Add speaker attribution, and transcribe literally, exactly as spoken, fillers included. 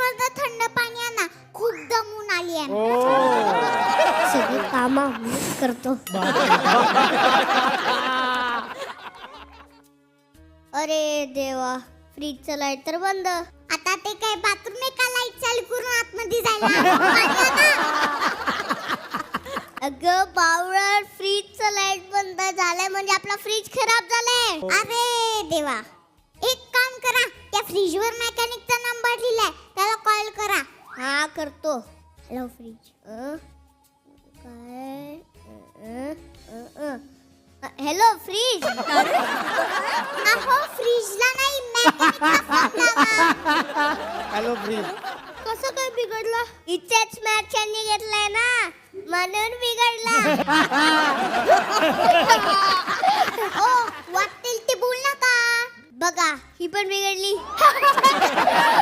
Speaker 1: मधलं थंड पाणी आणा, खूप दमून आली आहे.
Speaker 2: सगळी कामं मीच करतो. अरे देवा, फ्रीजचं लाईट तर बंद.
Speaker 1: आता ते काय बाथरूम आहे का लाईट चालू करून आतमध्ये जायला? पाणी आणा.
Speaker 2: अगं बावळट, फ्रीजचं लाईट बंद झालंय म्हणजे आपला फ्रीज खराब झालाय.
Speaker 1: अरे देवा, एक काम करा, त्या फ्रीजवर मेकॅनिकचा नंबर लिहिलाय, त्याला कॉल करा.
Speaker 2: हा करतो. Hello fridge. अं? काय अं, अं, अं. Hello fridge.
Speaker 1: अहो फ्रीजला नाही, मेकॅनिकला फोन लावा.
Speaker 3: Hello fridge.
Speaker 2: कसं काय बिघडलं? इथेच मॅचनी घेतलाय ना, म्हणून बिघडला.
Speaker 1: ओ वाटेल ते बोल नका.
Speaker 2: बघा, ही पण बिघडली.